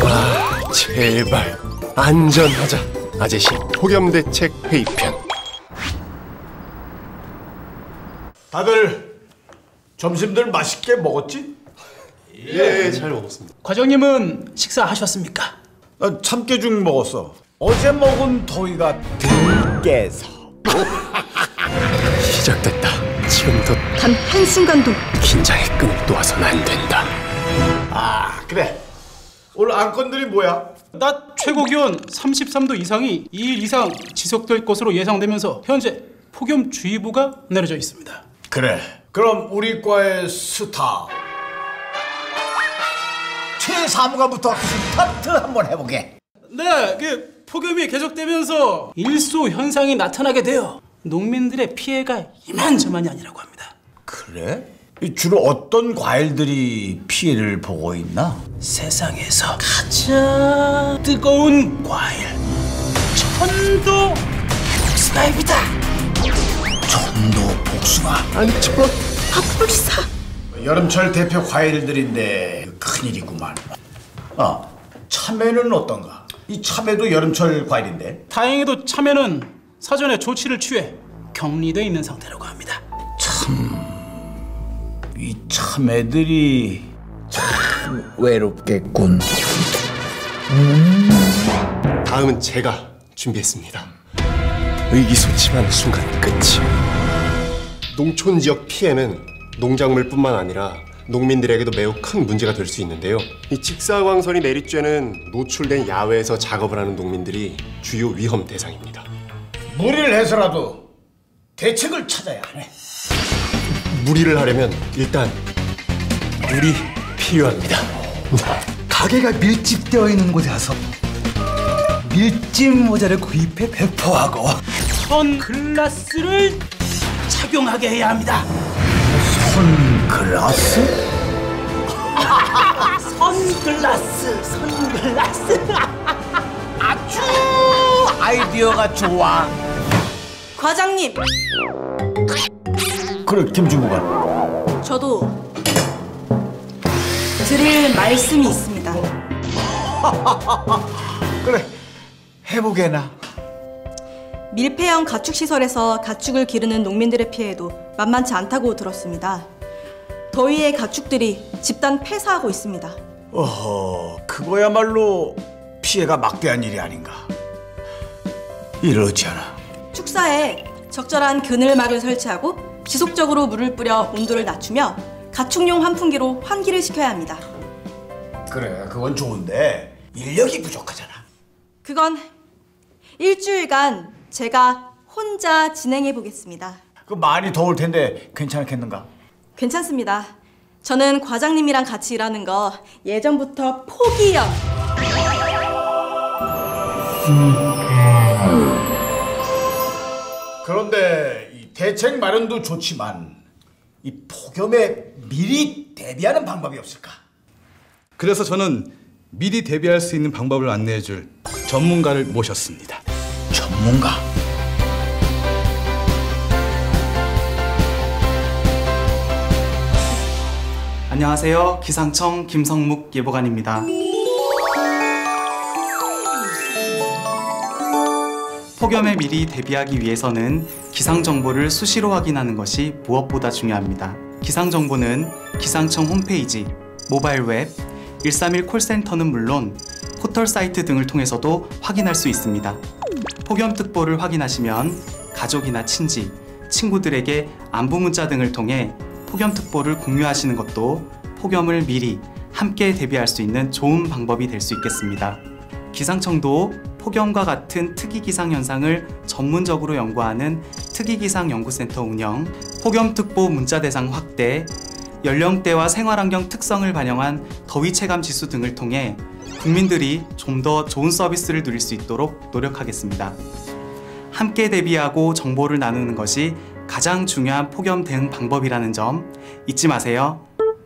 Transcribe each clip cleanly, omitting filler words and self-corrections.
제발 안전하자. 아재시 폭염대책 회의편. 다들 점심들 맛있게 먹었지? 예, 잘 먹었습니다. 과장님은 식사하셨습니까? 나 참깨죽 먹었어. 어제 먹은 더위가 덜 깨서. 시작됐다. 지금부터 단 한순간도 긴장의 끈을 놓아서는 안 된다. 아, 그래. 오늘 안건들이 뭐야? 낮 최고 기온 33도 이상이 2일 이상 지속될 것으로 예상되면서 현재 폭염주의보가 내려져 있습니다. 그래. 그럼 우리 과의 스타 최사무관부터 스타트 한번 해보게. 네, 폭염이 계속되면서 일소 현상이 나타나게 되어 농민들의 피해가 이만저만이 아니라고 합니다. 그래? 주로 어떤 과일들이 피해를 보고 있나? 세상에서 가장 뜨거운 과일 천도 복숭아입니다. 천도 복숭아. 아니 저 핫불사. 여름철 대표 과일들인데 큰일이구만. 참외는 어떤가? 이 참외도 여름철 과일인데. 다행히도 참외는 사전에 조치를 취해 격리돼 있는 상태라고 합니다. 이 참외들이 참 외롭겠군. 다음은 제가 준비했습니다. 의기소침한 순간 끝이. 농촌 지역 피해는 농작물뿐만 아니라 농민들에게도 매우 큰 문제가 될 수 있는데요. 이 직사광선이 내리쬐는 노출된 야외에서 작업을 하는 농민들이 주요 위험 대상입니다. 무리를 해서라도 대책을 찾아야 하네. 무리를 하려면 일단 물이 필요합니다. 가게가 밀집되어 있는 곳에 가서 밀짚 모자를 구입해 배포하고 선글라스를 착용하게 해야 합니다. 선글라스? 선글라스. 아주 아이디어가 좋아. 과장님, 그래, 김주무관. 저도 드릴 말씀이 있습니다. 그래, 해보게나. 밀폐형 가축시설에서 가축을 기르는 농민들의 피해도 만만치 않다고 들었습니다. 더위에 가축들이 집단 폐사하고 있습니다. 그거야말로 피해가 막대한 일이 아닌가. 이러지 않아. 축사에 적절한 그늘막을 설치하고 지속적으로 물을 뿌려 온도를 낮추며 가축용 환풍기로 환기를 시켜야 합니다. 그래, 그건 좋은데 인력이 부족하잖아. 그건 일주일간 제가 혼자 진행해 보겠습니다. 그 많이 더울 텐데 괜찮겠는가? 괜찮습니다. 저는 과장님이랑 같이 일하는 거 예전부터 포기요. 그런데 이 대책 마련도 좋지만 이 폭염에 미리 대비하는 방법이 없을까? 그래서 저는 미리 대비할 수 있는 방법을 안내해줄 전문가를 모셨습니다. 전문가? 안녕하세요. 기상청 김성묵 예보관입니다. 폭염에 미리 대비하기 위해서는 기상정보를 수시로 확인하는 것이 무엇보다 중요합니다. 기상정보는 기상청 홈페이지, 모바일 웹, 131 콜센터는 물론 포털 사이트 등을 통해서도 확인할 수 있습니다. 폭염특보를 확인하시면 가족이나 친지, 친구들에게 안부 문자 등을 통해 폭염특보를 공유하시는 것도 폭염을 미리 함께 대비할 수 있는 좋은 방법이 될 수 있겠습니다. 기상청도 폭염과 같은 특이기상 현상을 전문적으로 연구하는 특이기상연구센터 운영, 폭염특보 문자 대상 확대, 연령대와 생활환경 특성을 반영한 더위 체감 지수 등을 통해 국민들이 좀 더 좋은 서비스를 누릴 수 있도록 노력하겠습니다. 함께 대비하고 정보를 나누는 것이 가장 중요한 폭염 대응 방법이라는 점 잊지 마세요.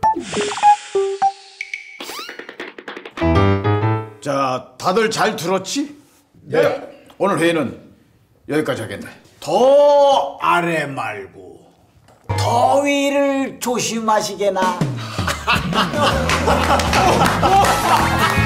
자, 다들 잘 들었지? 네. 오늘 회의는 여기까지 하겠네. 더 아래 말고 더위를 조심하시게나.